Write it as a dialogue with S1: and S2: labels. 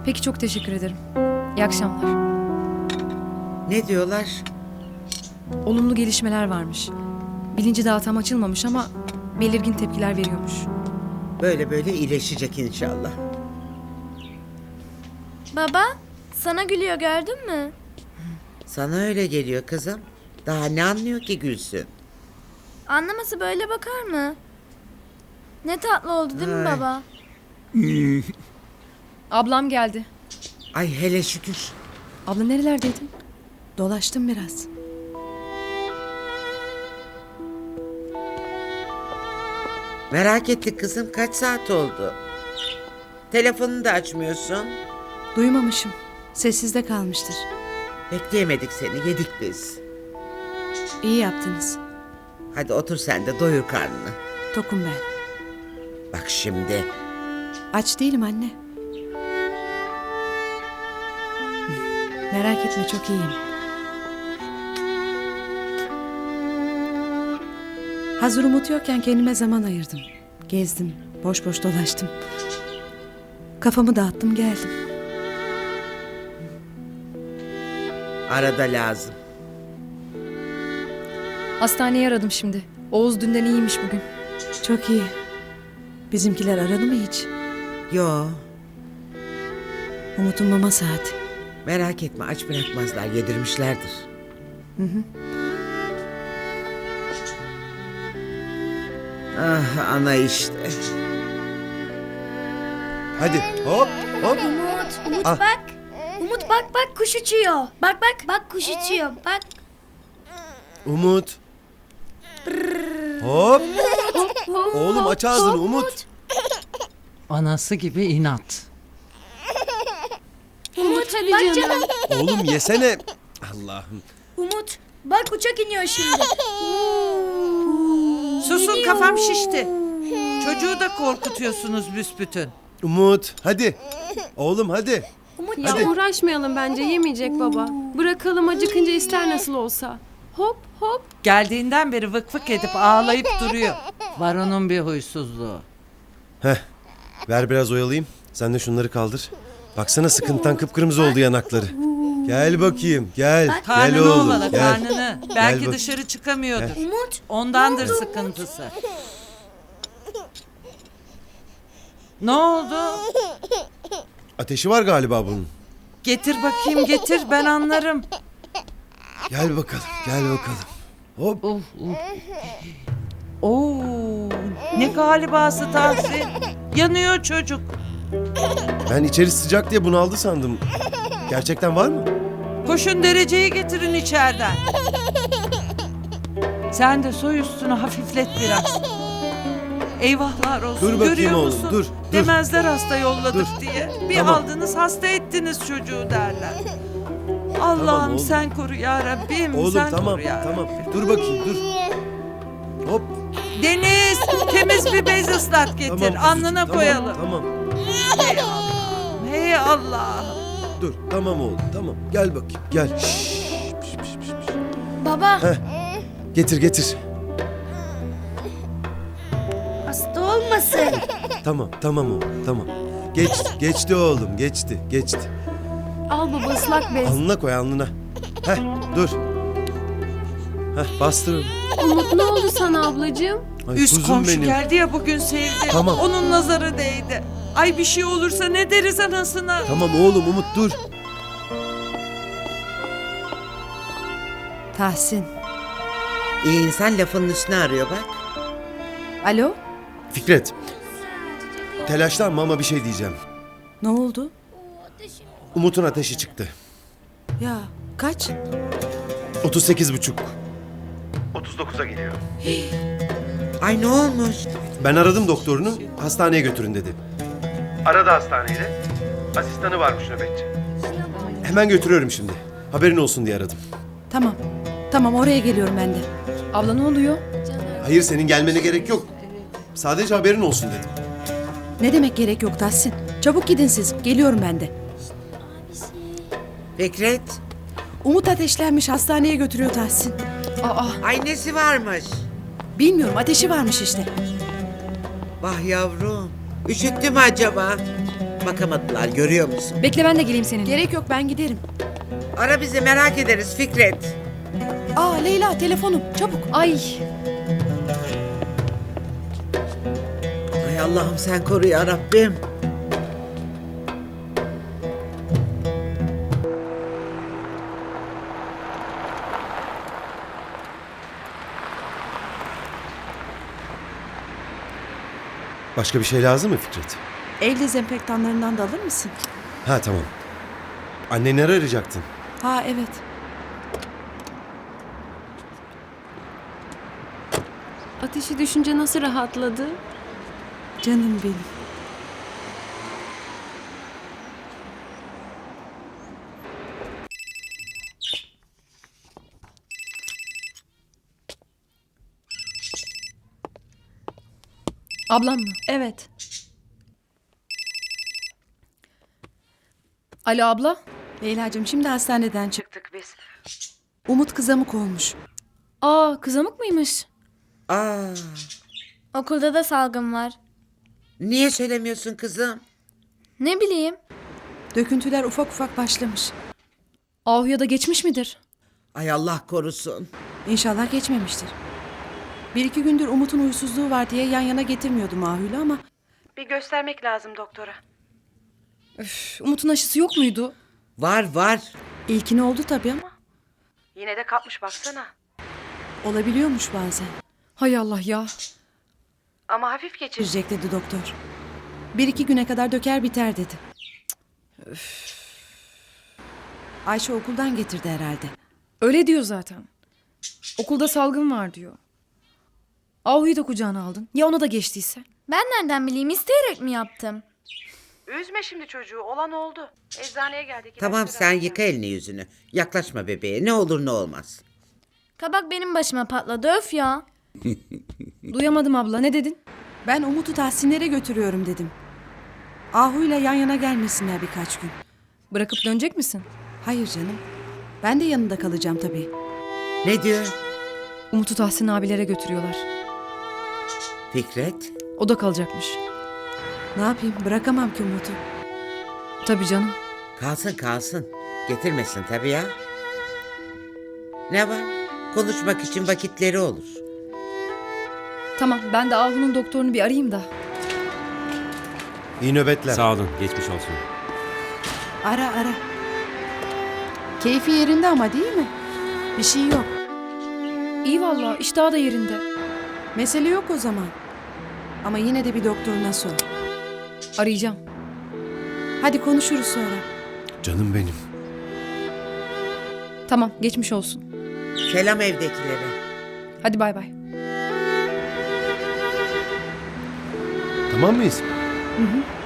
S1: Peki, çok teşekkür ederim. İyi akşamlar.
S2: Ne diyorlar?
S1: Olumlu gelişmeler varmış. Bilinci daha tam açılmamış ama belirgin tepkiler veriyormuş.
S2: Böyle böyle iyileşecek inşallah.
S3: Baba, sana gülüyor gördün mü?
S2: Sana öyle geliyor kızım. Daha ne anlıyor ki gülsün?
S3: Anlaması böyle bakar mı? Ne tatlı oldu değil mi
S2: Ay.
S3: baba?
S1: Ablam geldi.
S2: Ay hele şükür.
S1: Abla nerelerdeydin?
S4: Dolaştım biraz.
S2: Merak ettik kızım, kaç saat oldu? Telefonunu da açmıyorsun.
S4: Duymamışım. Sessizde kalmıştır.
S2: Bekleyemedik seni, yedik biz.
S4: İyi yaptınız.
S2: Hadi otur sen de doyur karnını.
S4: Tokum ben.
S2: Bak şimdi.
S4: Aç değilim anne. Merak etme, çok iyiyim. Hazır Umut yokken kendime zaman ayırdım. Gezdim, boş boş dolaştım. Kafamı dağıttım, geldim.
S2: Arada lazım.
S1: Hastaneyi aradım şimdi. Oğuz dünden iyiymiş bugün.
S4: Çok iyi. Bizimkiler aradı mı hiç?
S2: Yo,
S4: Umut'un mama saati.
S2: merak etme, aç bırakmazlar, yedirmişlerdir. Ah ana işte.
S5: Hadi hop hop.
S3: Umut
S5: Ah.
S3: bak. Umut bak kuş uçuyor. Bak kuş uçuyor. Bak.
S5: Umut. Hop. Oğlum aç ağzını Umut.
S6: Anası gibi inat.
S3: Umut bak canım.
S5: Oğlum yesene. Allah'ım.
S3: Umut bak uçak iniyor şimdi.
S7: Susun, kafam şişti. Çocuğu da korkutuyorsunuz büsbütün.
S5: Umut hadi. Oğlum hadi.
S8: Ya
S5: Hadi.
S8: uğraşmayalım, bence yemeyecek baba. Bırakalım, acıkınca ister nasıl olsa. Hop hop.
S7: Geldiğinden beri vık vık edip ağlayıp duruyor.
S6: Var onun bir huysuzluğu.
S5: Heh. Ver biraz oyalayayım. Sen de şunları kaldır. Baksana sıkıntıdan kıpkırmızı oldu yanakları. Gel bakayım gel. Gel
S7: Karnını
S5: oğlum
S7: ovala,
S5: gel.
S7: karnını. Belki
S5: bak.
S7: dışarı çıkamıyordur.
S3: Umut.
S7: Ondandır sıkıntısı. Ne oldu?
S5: Ateşi var galiba bunun.
S7: Getir bakayım, getir, ben anlarım.
S5: Gel bakalım gel bakalım. Hop.
S7: Oo, ne galibası Tahsin. Yanıyor çocuk.
S5: Ben içeri sıcak diye bunaldı sandım. Gerçekten var mı?
S7: Koşun dereceyi getirin içeriden. Sen de soy üstünü hafiflet biraz. Eyvahlar olsun.
S5: Dur bakayım
S7: Görüyor
S5: oğlum,
S7: musun?
S5: dur.
S7: Demezler hasta yolladık
S5: Dur.
S7: diye. Bir
S5: Tamam.
S7: aldınız hasta ettiniz çocuğu derler. Allah'ım
S5: oğlum.
S7: sen koru ya Rabbim.
S5: Oğlum
S7: sen
S5: tamam
S7: koru ya
S5: tamam.
S7: Rabbim.
S5: Dur bakayım dur. Hop.
S7: Deniz temiz bir bez ıslat getir.
S5: Tamam,
S7: Alnına
S5: tamam,
S7: koyalım.
S5: Tamam.
S7: Hey Allah'ım. Hey Allah'ım.
S5: Dur tamam oğlum tamam. Gel bakayım gel. Şşş, piş, piş, piş, piş.
S3: Baba
S5: Getir getir.
S3: hasta olmasın.
S5: Tamam oğlum tamam. Geçti oğlum geçti.
S8: Al baba, ıslak bez.
S5: Alnına koy alnına. Heh dur. Heh bastır onu.
S8: Umut, ne oldu sana ablacığım?
S5: Ay,
S7: Üst
S5: kuzum
S7: komşu
S5: benim.
S7: geldi ya bugün sevdi.
S5: Tamam.
S7: Onun nazarı değdi. Ay bir şey olursa ne deriz anasına?
S5: Tamam oğlum Umut dur.
S4: Tahsin.
S2: İyi insan lafının üstüne arıyor bak.
S4: Alo?
S5: Fikret. Telaşlanma ama bir şey diyeceğim.
S4: Ne oldu?
S5: Umut'un ateşi çıktı.
S4: Ya kaç?
S5: 38,5. 39'a geliyor.
S2: Ay ne olmuş?
S5: Ben aradım doktorunu, hastaneye götürün dedi. Aradı hastaneyle. Asistanı varmış nöbetçi. Hemen götürüyorum şimdi. Haberin olsun diye aradım.
S4: Tamam. Tamam, oraya geliyorum ben de.
S1: Abla ne oluyor?
S5: Hayır senin gelmene gerek yok. Sadece haberin olsun dedim.
S4: Ne demek gerek yok Tahsin? Çabuk gidin siz. Geliyorum ben de.
S2: Fikret.
S4: Umut ateşlenmiş, hastaneye götürüyor Tahsin.
S2: Ay nesi varmış?
S4: Bilmiyorum, ateşi varmış işte.
S2: Vah yavrum. Üşüttü mü acaba? Bakamadılar, görüyor musun?
S1: Bekle ben de geleyim seninle.
S4: Gerek yok, ben giderim.
S2: Ara bizi, merak ederiz Fikret.
S4: Aa Leyla, telefonum çabuk.
S1: Ay
S2: Ay Allah'ım sen koru ya Rabbim.
S5: Başka bir şey lazım mı Fikret?
S4: El dezenfektanlarından da alır mısın?
S5: Ha tamam. Annenleri arayacaktın.
S4: Ha evet.
S8: Ateşi düşünce nasıl rahatladı?
S4: Canım benim.
S1: ablam mı?
S4: Evet.
S1: Alo abla.
S4: Leyla'cığım şimdi hastaneden çıktık biz. Umut kızamık olmuş.
S1: Aa kızamık mıymış?
S2: Aa,
S3: Okulda da salgın var.
S2: niye söylemiyorsun kızım?
S3: Ne bileyim.
S4: Döküntüler ufak ufak başlamış.
S1: Ahuya da geçmiş midir?
S2: Ay Allah korusun.
S4: İnşallah geçmemiştir. Bir iki gündür Umut'un huysuzluğu var diye yan yana getirmiyordum Ahül'ü ama... Bir göstermek lazım doktora.
S1: Üf, Umut'un aşısı yok muydu?
S2: Var var.
S4: İlkini oldu tabii ama... Yine de kapmış baksana. Olabiliyormuş bazen.
S1: Hay Allah ya.
S4: Ama hafif geçirecek dedi doktor. Bir iki güne kadar döker biter dedi. Ayşe okuldan getirdi herhalde.
S1: Öyle diyor zaten. Okulda salgın var diyor. Ahu'yu da kucağına aldın. Ya ona da geçtiyse?
S3: Ben nereden bileyim, isteyerek mi yaptım?
S4: Üzme şimdi çocuğu, olan oldu. Eczaneye geldik.
S2: Tamam sen yıka elini yüzünü. Yaklaşma bebeğe, ne olur ne olmaz.
S3: Kabak benim başıma patladı, öf ya.
S1: Duyamadım abla, ne dedin?
S4: Ben Umut'u Tahsinlere götürüyorum dedim. Ahu'yla yan yana gelmesinler birkaç gün.
S1: Bırakıp dönecek misin?
S4: Hayır canım. Ben de yanında kalacağım tabii.
S2: Ne diyor?
S1: Umut'u Tahsin abilere götürüyorlar.
S2: Fikret?
S1: O da kalacakmış.
S4: Ne yapayım, bırakamam ki Umut'u.
S1: Tabii canım.
S2: Kalsın kalsın. Getirmesin tabii ya. Ne var? Konuşmak için vakitleri olur.
S1: Tamam, ben de Ahu'nun doktorunu bir arayayım da.
S5: İyi nöbetler.
S9: Sağ olun, geçmiş olsun.
S4: Ara. Keyfi yerinde ama değil mi? Bir şey yok.
S1: İyi valla, iştahı da yerinde.
S4: Mesele yok o zaman. Ama yine de bir doktoruna sor.
S1: Arayacağım.
S4: Hadi konuşuruz sonra.
S5: Canım benim.
S1: Tamam, geçmiş olsun.
S2: Selam evdekilere.
S1: Hadi bay bay.
S5: Tamam mıyız?
S4: Hı hı.